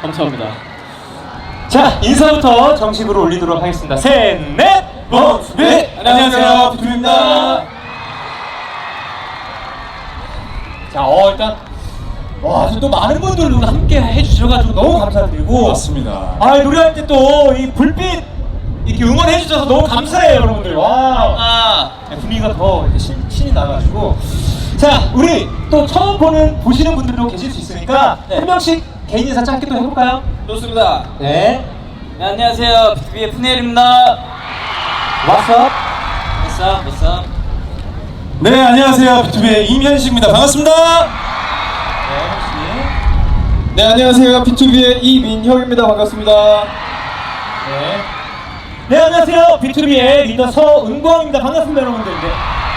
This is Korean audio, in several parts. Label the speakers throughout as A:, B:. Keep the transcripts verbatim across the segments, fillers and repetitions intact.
A: 감사합니다. 자, 인사부터 정식으로 올리도록 하겠습니다. 셋, 넷!
B: 어, 네! 안녕하세요, 비투비입니다.
A: 자, 어, 일단 와, 또 많은 분들 함께 해주셔가지고 너무 감사드리고.
B: 맞습니다.
A: 아, 노래할 때 또 이 불빛 이렇게 응원해주셔서 너무 감사해요, 여러분들. 와, 아, 분위기가 더 이제 신, 신이 나가지고. 자, 우리 또 처음 보는 보시는 분들도 계실 수 있으니까
C: 네.
A: 한 명씩 개인 인사 짧게 또 해볼까요?
C: 좋습니다.
A: 네.
C: 네, 안녕하세요. 비투비의 푸네일입니다.
A: What's up?
C: What's up? What's up?
B: 네, 안녕하세요. 비투비의 임현식입니다. 반갑습니다.
A: 네, 혹시.
B: 네, 안녕하세요. 비투비의 이민혁입니다. 반갑습니다.
A: 네. 네, 안녕하세요. 비투비의 리더 서은광입니다. 반갑습니다, 여러분들. 네.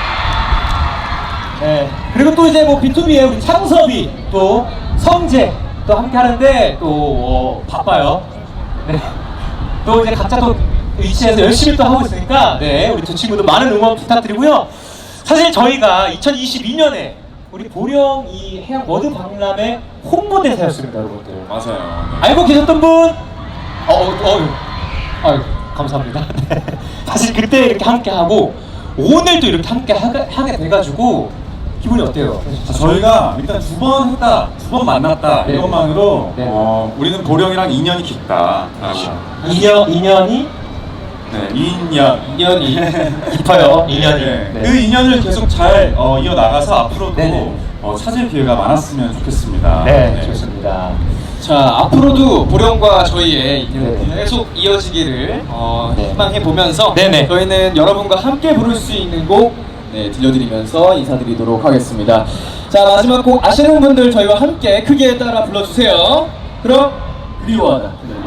A: 네. 그리고 또 이제 뭐 비투비의 우리 창섭이 또 성재 또 함께 하는데 또 어, 바빠요. 네. 또 이제 각자 또 위치에서 열심히 또 하고 있으니까 네, 우리 두 친구들 많은 응원 부탁드리고요. 사실 저희가 이천이십이 년에 우리 보령 이 해양 워드 박람회 홍보대사였습니다, 여러분들.
B: 맞아요.
A: 알고 계셨던 분? 어, 어, 어, 아유, 감사합니다. 네. 사실 그때 이렇게 함께 하고 오늘도 이렇게 함께 하게, 하게 돼가지고 기분이 어때요?
B: 자, 저희가 일단 두 번 했다, 두 번 만났다
A: 네.
B: 이것만으로
A: 네.
B: 어, 우리는 보령이랑 인연이 깊다.
A: 인연, 인연이
B: 네, 인연.
A: 인연이 깊어요. 인연이.
B: 네.
A: 네.
B: 그 인연을 계속 잘 어, 이어 나가서 앞으로도
A: 네네.
B: 어, 찾을 기회가 많았으면 좋겠습니다.
A: 네, 좋습니다.
D: 자, 앞으로도 보령과 저희의 인연이
A: 네.
D: 계속 이어지기를 어,
A: 네.
D: 희망해 보면서
A: 네네.
D: 저희는 여러분과 함께 부를 수 있는 곡 네, 들려드리면서 인사드리도록 하겠습니다. 자, 마지막 곡 아시는 분들 저희와 함께 크게 따라 불러주세요. 그럼 그리워하다.